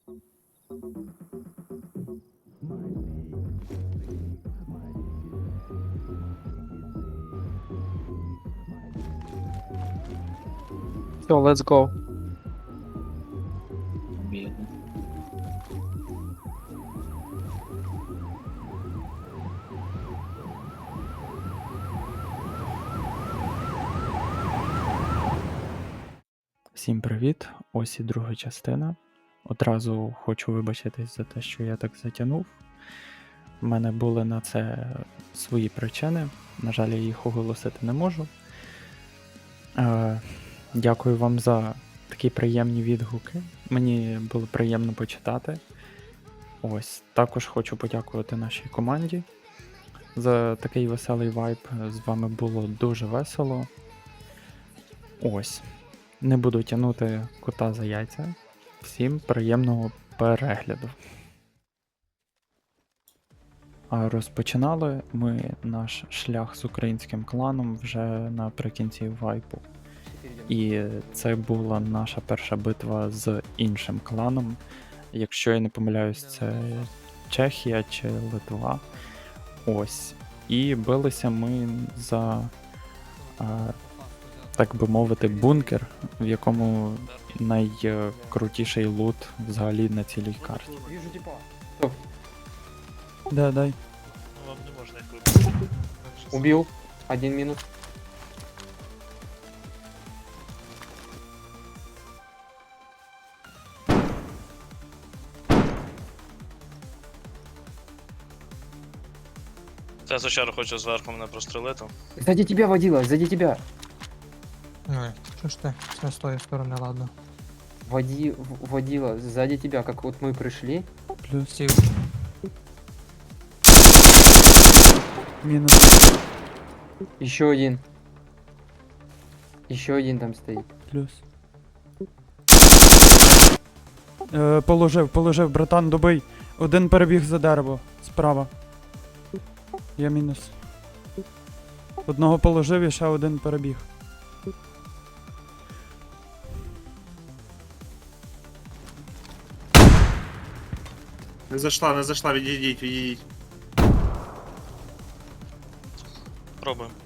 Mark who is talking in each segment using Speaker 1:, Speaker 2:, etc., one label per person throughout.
Speaker 1: Все, let's go.
Speaker 2: Бідно.
Speaker 3: Всім привіт! Ось і друга частина. Одразу хочу вибачитись за те, що я так затягнув. У мене були на це свої причини. На жаль, я їх оголосити не можу. Дякую вам за такі приємні відгуки. Мені було приємно почитати. Ось, також хочу подякувати нашій команді за такий веселий вайб. З вами було дуже весело. Ось. Не буду тягнути кота за яйця. Всім приємного перегляду. А розпочинали ми наш шлях з українським кланом вже наприкінці вайпу. І це була наша перша битва з іншим кланом. Якщо я не помиляюсь, це Чехія чи Литва. Ось. І билися ми за, так би мовити, бункер, в якому найкрутіший лут взагалі на цілій карті.
Speaker 1: Вижу типа.
Speaker 3: Да, дай.
Speaker 4: Ну, вам не можна їх вибити.
Speaker 1: Убил. Один минус.
Speaker 4: Це звичайно хочу зверху мене прострелити.
Speaker 1: Сзади тебя водила, сзади тебя.
Speaker 5: Ой, що ж ти? Це з тої сторони, ладно.
Speaker 1: Водила сзади тебя, как вот мы пришли.
Speaker 3: Плюс.
Speaker 5: Сів.
Speaker 3: Мінус.
Speaker 1: Еще один. Еще один там стоит.
Speaker 3: Плюс. Положив, братан, добий. Один перебіг за дерево. Справа. Я мінус. Одного положив і ще один перебіг.
Speaker 6: Не зайшла, відійдіть.
Speaker 4: Пробуємо.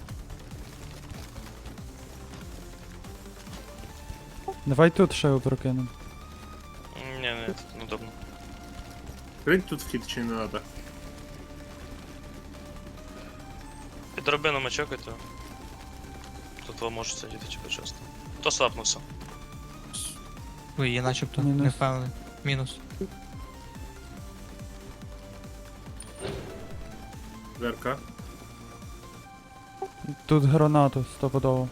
Speaker 3: Давай тут ще прокинемо.
Speaker 4: Ні, тут неудобно.
Speaker 6: Крить тут вхід чи не надо?
Speaker 4: Під драбинами чекайте. Тут ви можете сидіти чи почасти. Хто слапнувся?
Speaker 5: Ой, я начебто
Speaker 3: Мінус.
Speaker 5: не впевнений. Мінус.
Speaker 6: Дверка.
Speaker 3: Тут гранату стопудово.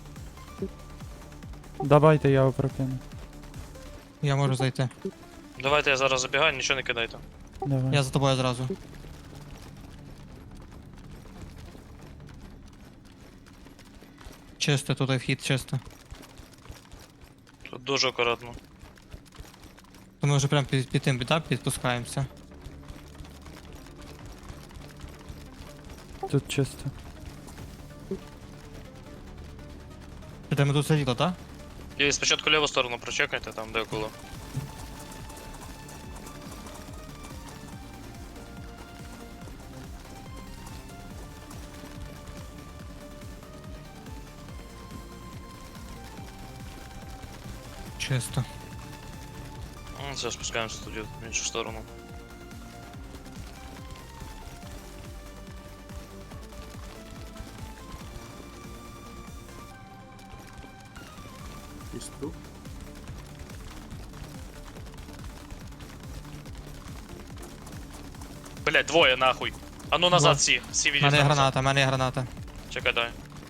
Speaker 3: Давайте я прокину.
Speaker 5: Я можу зайти.
Speaker 4: Давайте я зараз забігаю, нічого не кидайте.
Speaker 3: Давай.
Speaker 5: Я за тобою зразу. Чисто, тут вхід, чисто.
Speaker 4: Тут дуже акуратно.
Speaker 5: То ми вже прям під тим бітап підпускаємося.
Speaker 3: Тут чисто.
Speaker 5: Де ми тут сиділи, так?
Speaker 4: І спочатку ліву сторону прочекайте, там де около.
Speaker 5: Чисто.
Speaker 4: Все, спускаємося тоді в іншу сторону.
Speaker 6: Ось тут.
Speaker 4: Блять, двоє нахуй. А ну назад всі
Speaker 5: У
Speaker 4: відійдіть.
Speaker 5: мене є
Speaker 4: назад.
Speaker 5: граната, у мене є граната.
Speaker 4: Чекай, дай.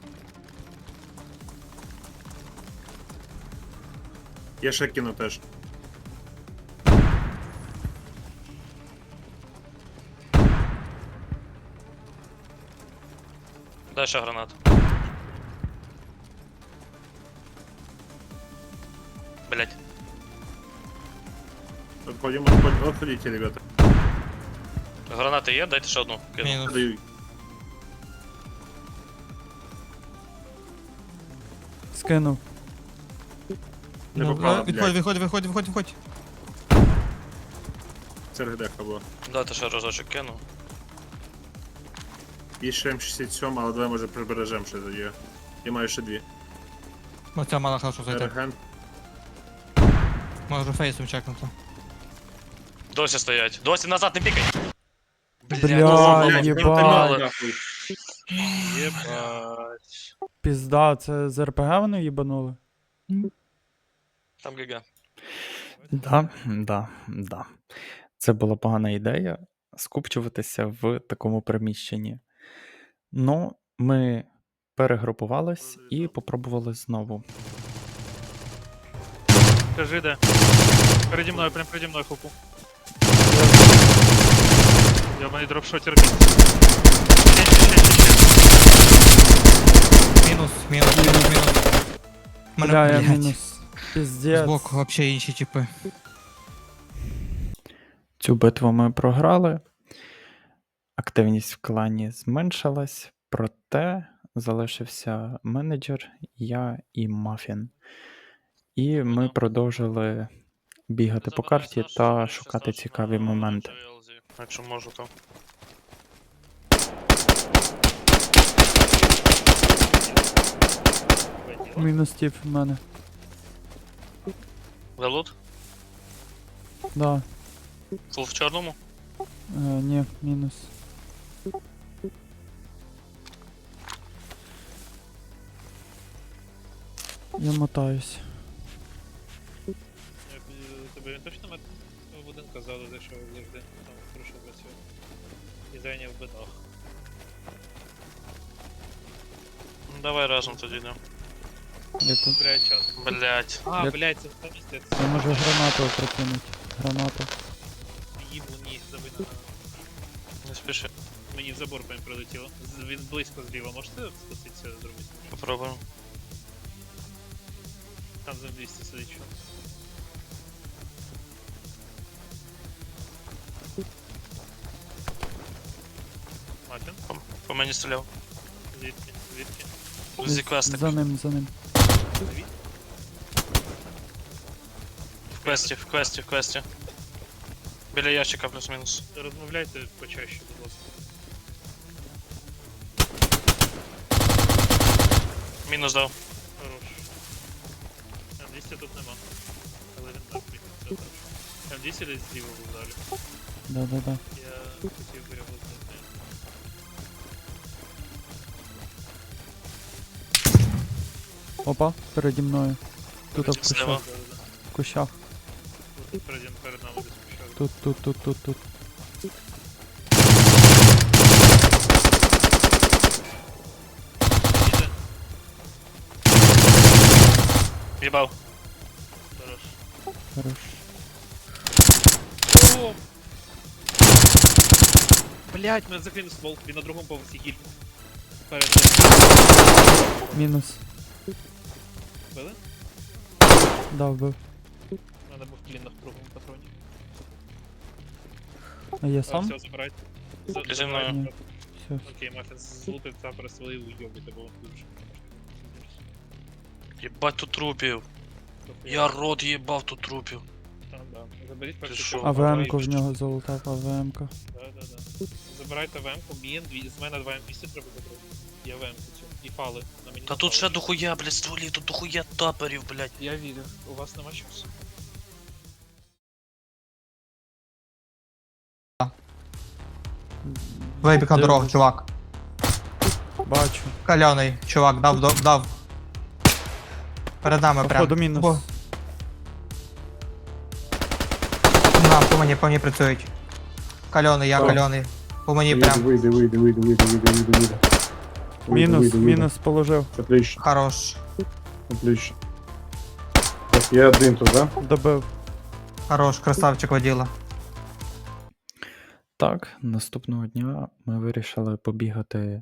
Speaker 6: Я ще кину теж.
Speaker 4: Дай ще гранат. Блять.
Speaker 6: Отходите, ребята.
Speaker 4: Гранати є, дайте ще одну. Кину.
Speaker 5: Мінус.
Speaker 6: Даю.
Speaker 3: Скинув.
Speaker 6: Не
Speaker 5: Ну,
Speaker 6: попало,
Speaker 5: виходь,
Speaker 6: блядь.
Speaker 5: виходь.
Speaker 6: Це РГДХ була.
Speaker 4: Дайте ще разочок кину.
Speaker 6: Є ще М67, але давай може прибережемо ще тоді. Я маю ще дві.
Speaker 5: Оця мала хорошо зайти.
Speaker 6: Реген.
Speaker 5: Можу фейсом чекнути.
Speaker 4: Досі стоять. Досі назад не пікай!
Speaker 3: Бля,
Speaker 6: блядь,
Speaker 3: єбать.
Speaker 4: мали.
Speaker 6: нахуй.
Speaker 4: Єбать.
Speaker 3: Пізда, це з РПГ вони їбанули?
Speaker 4: Там ГГ.
Speaker 3: Да. Це була погана ідея скупчуватися в такому приміщенні. Ну, ми перегрупувались і попробували знову.
Speaker 2: Скажи, де. Переді мною, прям переді мною хупу. Йобаний дропшотер бій.
Speaker 5: Мінус. Мене,
Speaker 3: Бля, я
Speaker 5: блядь,
Speaker 3: мінус. Піздець.
Speaker 5: збоку вообще інші типи.
Speaker 3: Цю битву ми програли. Активність в клані зменшилась, проте залишився менеджер, я і Мафін. І ми продовжили бігати по карті та шукати цікаві моменти.
Speaker 4: Якщо можу, то.
Speaker 3: Мінус тіп в мене.
Speaker 4: За лут?
Speaker 3: Да.
Speaker 4: Фул в чорному?
Speaker 3: Ні, мінус. Я мотаюсь.
Speaker 2: Тобі він точно в будинку ззаду зайшов завжди, там хорошо працює. І зайняв битах.
Speaker 4: Ну, давай разом тоді йдемо.
Speaker 3: Я тут.
Speaker 2: Блять, час.
Speaker 4: Блять.
Speaker 2: А,
Speaker 3: Як-
Speaker 2: блять, це там місце.
Speaker 3: Я можу гранату прокинути. Гранату.
Speaker 2: Їбу, ні, забито.
Speaker 4: Не спіши.
Speaker 2: Мені в забор прям прилетіло. Він близько зліва, можете спуститися зробити?
Speaker 4: Попробуємо.
Speaker 2: Там за 200 сидить що. Матін?
Speaker 4: По мені стріляв.
Speaker 2: Звідки? Звідки?
Speaker 4: Зі квестик.
Speaker 3: За ним.
Speaker 2: Звідки?
Speaker 4: В квесті. Біля ящика плюс-мінус.
Speaker 2: Розмовляйте почаще, будь ласка.
Speaker 4: Мінус дав.
Speaker 2: Хорош. М200 тут нема. Але він мертвий. Це точно. М200 десь зліва був далі.
Speaker 3: Да.
Speaker 2: Я хотів би його знайти.
Speaker 3: Опа, переді мною. Тут в
Speaker 4: Зліва.
Speaker 3: кущах. В кущах.
Speaker 2: Тут перед нами десь пішов.
Speaker 3: Тут.
Speaker 2: Іде.
Speaker 4: Їбав.
Speaker 2: Хорош.
Speaker 3: Хорош.
Speaker 2: О! Блять, мене закинув ствол. Він на другому поверсі гіль. Перед
Speaker 3: Мінус.
Speaker 2: били?
Speaker 3: Да, вбив.
Speaker 2: У мене був клін на другому патроні.
Speaker 3: А я
Speaker 2: А,
Speaker 3: сам?
Speaker 2: все, забирайте.
Speaker 4: Зі мною.
Speaker 3: Ні. Все.
Speaker 2: Окей, Мафін, злупив та пересвали уйобити, бо він дуже.
Speaker 4: Єбать тут трупів. Я рот їбав тут трупів.
Speaker 2: Там, да. Заберіть
Speaker 4: Ти
Speaker 2: перший
Speaker 4: що?
Speaker 2: поверх,
Speaker 3: АВМ-ку в
Speaker 2: і-
Speaker 3: нього залутав, АВМ-ка.
Speaker 2: Да. Забирайте ВМ-ку, з мене 2 М200 треба забрати. Я ВМ-ку цю. І фали. На мені
Speaker 4: Та
Speaker 2: не
Speaker 4: тут ще
Speaker 2: фали.
Speaker 4: дохуя, блядь, стволів, тут дохуя таперів, блядь.
Speaker 2: Я вірю, у вас нема часу.
Speaker 5: Вибіг на дорогу, чувак.
Speaker 3: Бачу.
Speaker 5: Кальоний, чувак, дав. Перед нами прям.
Speaker 3: Походу мінус.
Speaker 5: Бо- На, по мені працюють. Кальоний, я
Speaker 6: О.
Speaker 5: кальоний. По мені прям.
Speaker 6: Вийди.
Speaker 3: Мінус положив.
Speaker 6: Отлично,
Speaker 5: Хорош.
Speaker 6: отлично. Так, я один тут, да?
Speaker 3: Добив.
Speaker 5: Хорош, красавчик воділа.
Speaker 3: Так, наступного дня ми вирішили побігати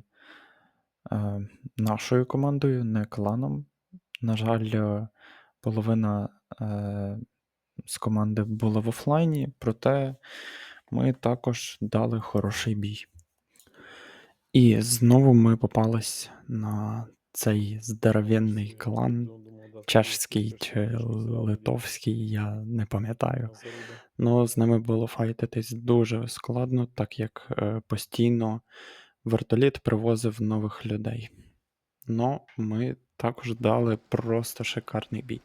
Speaker 3: нашою командою, не кланом. На жаль, половина з команди була в офлайні, проте ми також дали хороший бій. І знову ми попались на цей здоровенний клан, чешський чи литовський, я не пам'ятаю. Ну, з ними було файтитись дуже складно, так як постійно вертоліт привозив нових людей. Ну, ми також дали просто шикарний бій.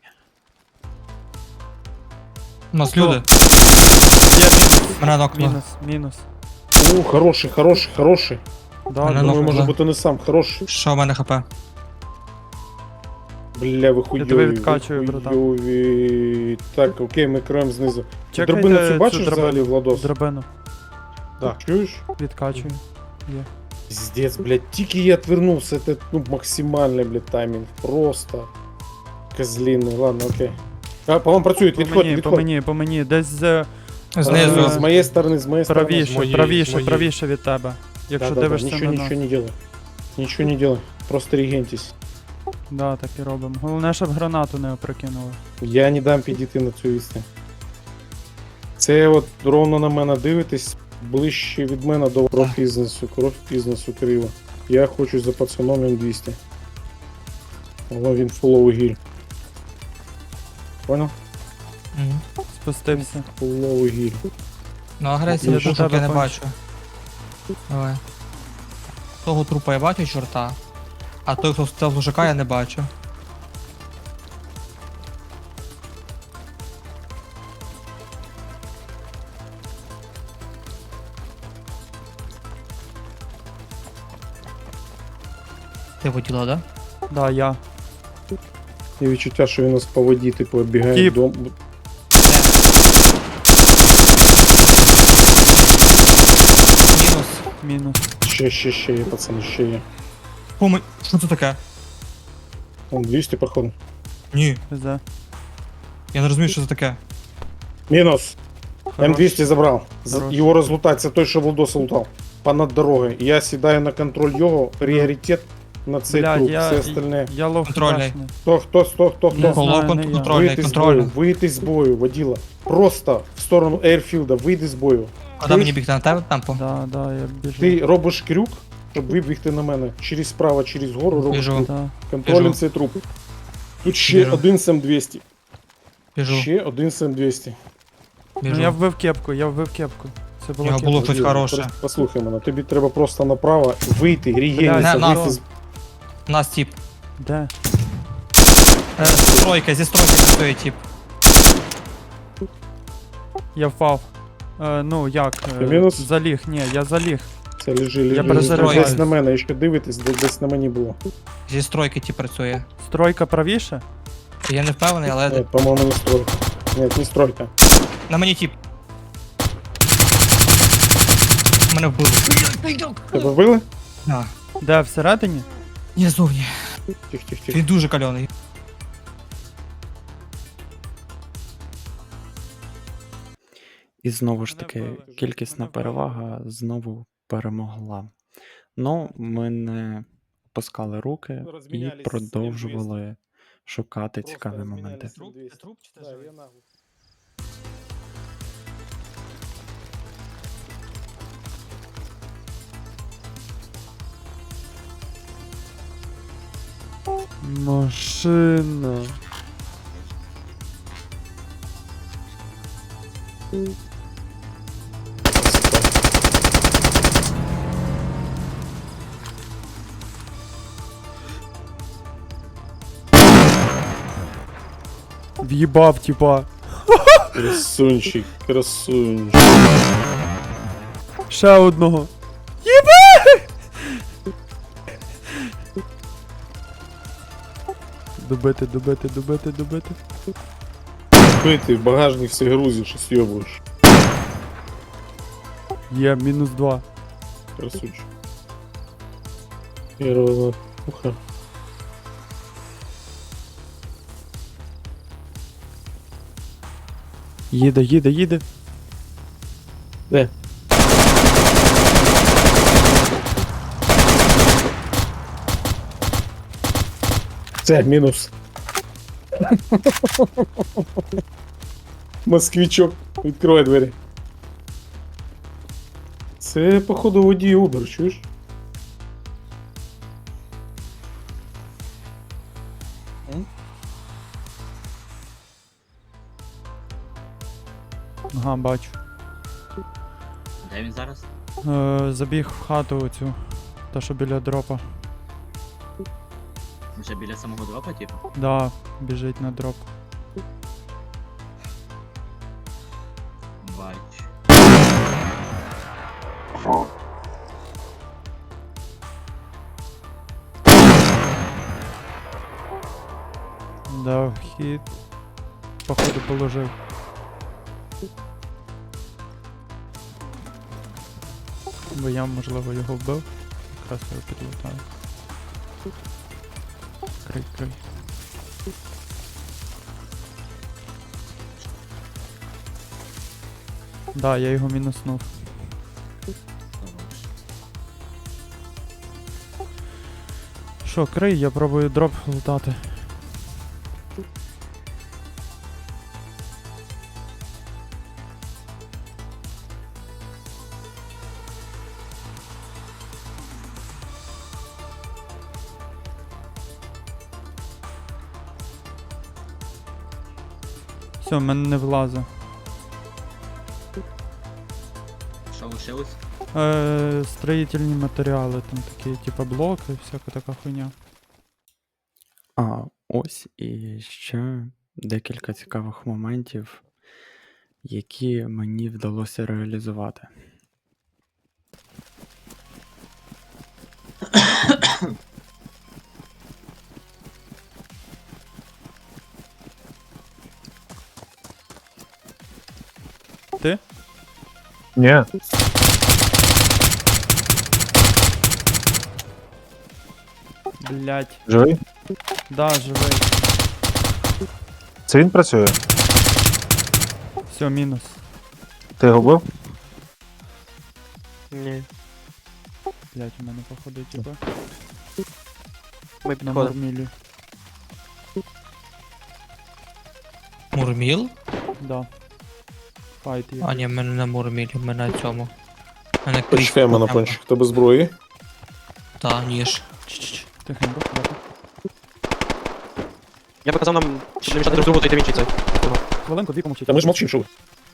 Speaker 5: У нас люди. Мене нокнуло.
Speaker 3: Мінус.
Speaker 7: О, хороший, хороший, хороший.
Speaker 3: Да,
Speaker 5: Мене
Speaker 7: Думаю,
Speaker 5: нокнуло.
Speaker 7: може бути не сам хороший.
Speaker 5: Що в мене хп?
Speaker 7: Бля, ви хуйові.
Speaker 3: тебе відкачую,
Speaker 7: ви
Speaker 3: братан.
Speaker 7: хуйові. Так, окей, ми краєм знизу.
Speaker 3: Чекайте
Speaker 7: Дробину цю
Speaker 3: цю
Speaker 7: бачиш
Speaker 3: драбину.
Speaker 7: взагалі, Владос?
Speaker 3: Драбину.
Speaker 7: Так, чуєш?
Speaker 3: Відкачую.
Speaker 7: Пиздец, блядь, тільки я отвернулся, это, ну, максимальный, блядь, тайминг. Просто. Козлиный, ладно, окей. А, по-моему, працюють, відходь,
Speaker 3: По мені. Десь
Speaker 5: Знизу.
Speaker 7: З моєї сторони, з моєї сторони.
Speaker 3: правіше від тебе. Якщо дивишся
Speaker 7: нічого,
Speaker 3: на нас.
Speaker 7: нічого не делай. Нічого не делай. Просто регентись.
Speaker 3: Да, так і робимо. Головне, щоб гранату не опрокинули.
Speaker 7: Я не дам підійти на цю відстань. Це от ровно на мене дивитесь, ближче від мене до кров бізнесу криво. Я хочу за пацаном М200. Але він фуловий гіль. Понял?
Speaker 5: Мгм.
Speaker 3: Спустився.
Speaker 7: Фуловий гіль.
Speaker 5: Ну, агресії
Speaker 3: Я
Speaker 5: пушок
Speaker 3: до тебе
Speaker 5: я не
Speaker 3: кончу.
Speaker 5: бачу. Давай. Того трупа я бачу, чорта. А той, хто став лужака, я не бачу. Ти воділа, да?
Speaker 3: Да, я.
Speaker 7: І відчуття, що він нас по воді, типу, оббігає
Speaker 3: Кіп.
Speaker 7: дом.
Speaker 5: Мінус.
Speaker 7: Ще є, пацани, ще є.
Speaker 5: Помий. Що це таке?
Speaker 7: Вон 200, походу.
Speaker 5: Ні.
Speaker 3: Везе.
Speaker 5: Я не розумію, що це таке.
Speaker 7: Мінус.
Speaker 3: Хорош.
Speaker 7: М200 забрав.
Speaker 3: Хорош.
Speaker 7: Його розлутать, це той, що Владоса лутав. Понад дорогою. Я сідаю на контроль його, пріоритет на цей
Speaker 3: Блядь,
Speaker 7: труп,
Speaker 3: я,
Speaker 7: все остальне.
Speaker 3: я лов
Speaker 5: Контрольний.
Speaker 3: худашний.
Speaker 7: Хто?
Speaker 3: Не
Speaker 5: Коло
Speaker 3: знаю, не я.
Speaker 5: контрольний, контрольний.
Speaker 7: Вийти з бою, воділа. Просто в сторону Ейрфілда, вийди з бою.
Speaker 5: Куди мені бігти на тебе темпо?
Speaker 3: Да, я біжу.
Speaker 7: Ти робиш крюк, щоб вибігти на мене. Через справа, через гору робиш
Speaker 5: Біжу.
Speaker 7: крюк.
Speaker 3: Да.
Speaker 7: Контролем
Speaker 5: Біжу.
Speaker 7: цей труп. Тут ще
Speaker 5: Біжу.
Speaker 7: один з М200.
Speaker 5: Біжу.
Speaker 7: Ще один з М200.
Speaker 3: Ну
Speaker 5: Біжу.
Speaker 3: я вбив кепку. Це
Speaker 5: У
Speaker 3: було
Speaker 5: нього
Speaker 3: кепка.
Speaker 5: було щось
Speaker 7: Воділа,
Speaker 5: хороше.
Speaker 7: просто Послухай мене, тобі треба просто направо вийти, регениться,
Speaker 5: на,
Speaker 7: вийти з...
Speaker 5: У нас тип.
Speaker 3: Де?
Speaker 5: Зі стройки стоїть тип.
Speaker 3: Я впав. Ну як?
Speaker 7: Ти мінус?
Speaker 3: Заліг, ні, я заліг.
Speaker 7: Це лежи.
Speaker 3: перезаряджаюсь.
Speaker 7: Десь на мене, якщо дивитесь, десь на мені було.
Speaker 5: Зі стройки тип працює.
Speaker 3: Стройка правіше?
Speaker 5: Я не впевнений, але
Speaker 7: Ні, по-моєму, не стройка. Ні, не стройка.
Speaker 5: на мені тип. Мене вбили.
Speaker 7: Тебе вбили?
Speaker 5: Да.
Speaker 3: Де, всередині?
Speaker 5: Ні, зовні.
Speaker 7: Тих.
Speaker 5: Він дуже кальоний.
Speaker 3: І знову ж таки, кількісна перевага знову перемогла. Ну, ми не опускали руки і продовжували шукати цікаві моменти.
Speaker 5: Труп чи це живий?
Speaker 3: Машина. В'їбав, типа.
Speaker 7: Красунчик.
Speaker 3: Ще одного. Добити.
Speaker 7: Ти в багажник все грузиш і с'єбуєш.
Speaker 3: Є, -2.
Speaker 7: Красунчик. Первого пуха.
Speaker 3: Їде.
Speaker 7: Де? Це мінус. Москвичок. Відкривай двері. Це, походу, водій Uber, чуєш?
Speaker 3: Ага, Ага, бачу.
Speaker 8: Де він зараз?
Speaker 3: Забіг в хату оцю. Та що біля дропа.
Speaker 8: Вже біля самого дропа, типу?
Speaker 3: Да, біжить на дроп.
Speaker 8: Бач.
Speaker 3: Дав хід. Походу положив. Бо я, можливо, його вбив. Якраз його підлутаю. Крий, крий. Да, я його мінуснув. Що, крий, я пробую дроп лутати. Все, в мене не влазить.
Speaker 8: Що лишилось?
Speaker 3: Строїтельні матеріали, там такі, типа блоки, всяка така хуйня. А, ось і ще декілька цікавих моментів, які мені вдалося реалізувати. Ти?
Speaker 9: Ні,
Speaker 3: Блять.
Speaker 9: живий?
Speaker 3: Да, живий.
Speaker 9: Це він працює?
Speaker 3: Все, мінус.
Speaker 9: Ти його бив?
Speaker 10: Ні,
Speaker 3: Блять, у мене походу, типа.
Speaker 10: ми
Speaker 3: На
Speaker 10: підходимо.
Speaker 3: мурмілі.
Speaker 5: Мурміл?
Speaker 3: Да. Файт є.
Speaker 5: А, ні, в мене на мурмілі, в мене на цьому. В мене
Speaker 7: Почекаємо на пончик. Тебе зброї.
Speaker 5: Та, ніж. Чш-чш.
Speaker 3: Тихенько, хватить.
Speaker 10: Я би казав нам, щоб не мішати друг другу, то йти в інший цей.
Speaker 3: Хвилинку, дві помовчіть.
Speaker 7: Та ми ж мовчимо, що ви.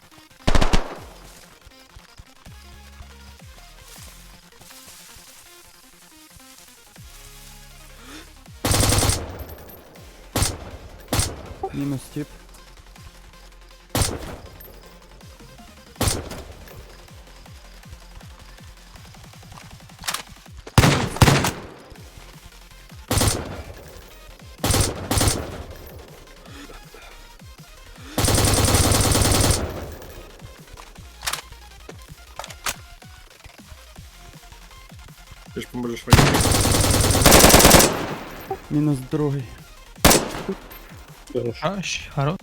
Speaker 3: Мінус тип.
Speaker 6: Ти ж поможеш мені.
Speaker 3: Мінус другий.
Speaker 7: Хорош.
Speaker 5: Хорош.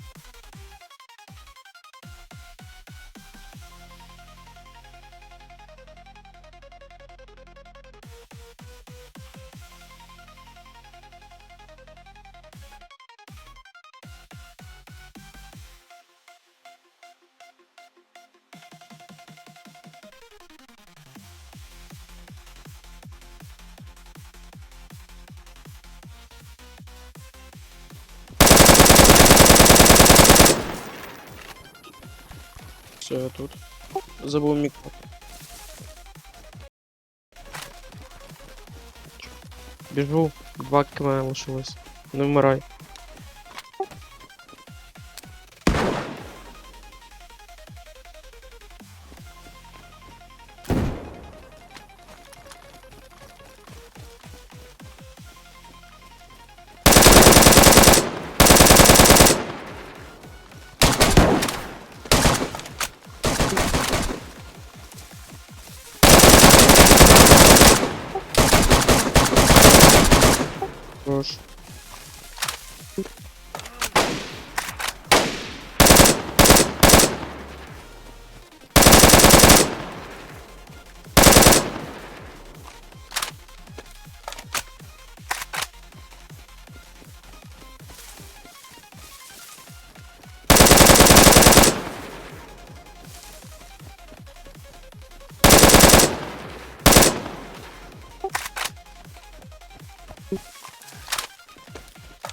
Speaker 10: Все, я тут. Забув мікро. Біжу, 2 км лишилось. Не вмирай. Хорош.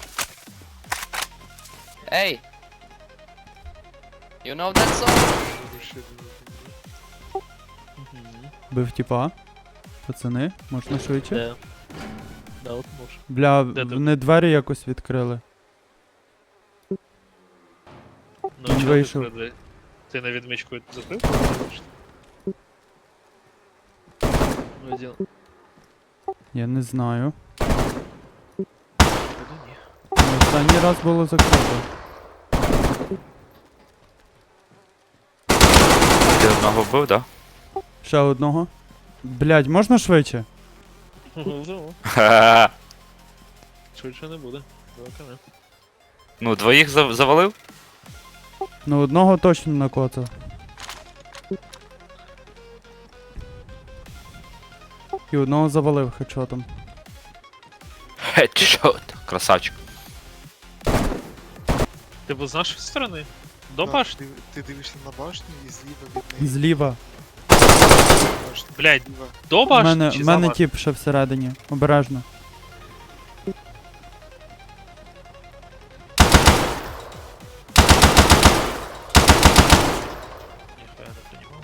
Speaker 11: Hey! You know that song? Бив тіпа. Пацани, можна швидше?
Speaker 2: Де? Да, от може.
Speaker 11: Бля,
Speaker 2: Де ти?
Speaker 11: вони двері якось відкрили.
Speaker 2: Ну,
Speaker 11: Він
Speaker 2: чого ти
Speaker 11: вийшов.
Speaker 2: туди? Ти на відмичку закрив? Один.
Speaker 11: Я не знаю.
Speaker 2: Походу, ні.
Speaker 11: Останній раз було закрито.
Speaker 12: Ти одного вбив, да?
Speaker 11: Ще одного. Блядь, можна швидше?
Speaker 2: Ну, швидше не буде. Давай не.
Speaker 12: Ну, двоїх завалив?
Speaker 11: Ну одного точно накоцав. І одного завалив хедшотом.
Speaker 12: Хедшот. Красавчик.
Speaker 2: Ти був з нашої сторони? До башні?
Speaker 10: Ти дивишся на башню і зліва від неї.
Speaker 11: Зліва.
Speaker 2: Блядь, до
Speaker 11: У
Speaker 2: башні
Speaker 11: мене,
Speaker 2: чи
Speaker 11: в
Speaker 2: за
Speaker 11: мене
Speaker 2: башню?
Speaker 11: тіп ще всередині. Обережно.
Speaker 2: Ніхуя не понімав.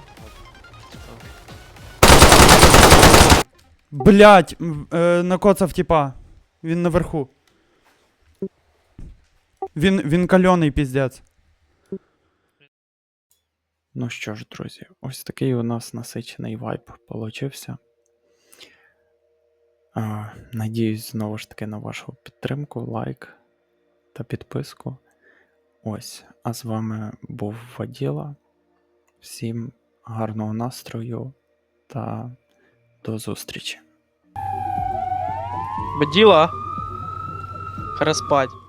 Speaker 11: Блять, накоцав тіпа. Він наверху. Він кальоний піздець. Ну що ж, друзі, ось такий у нас насичений вайб получився. Надіюсь, знову ж таки, на вашу підтримку, лайк та підписку. Ось, а з вами був Воділа. Всім гарного настрою та до зустрічі.
Speaker 10: Баділа. Пора спать.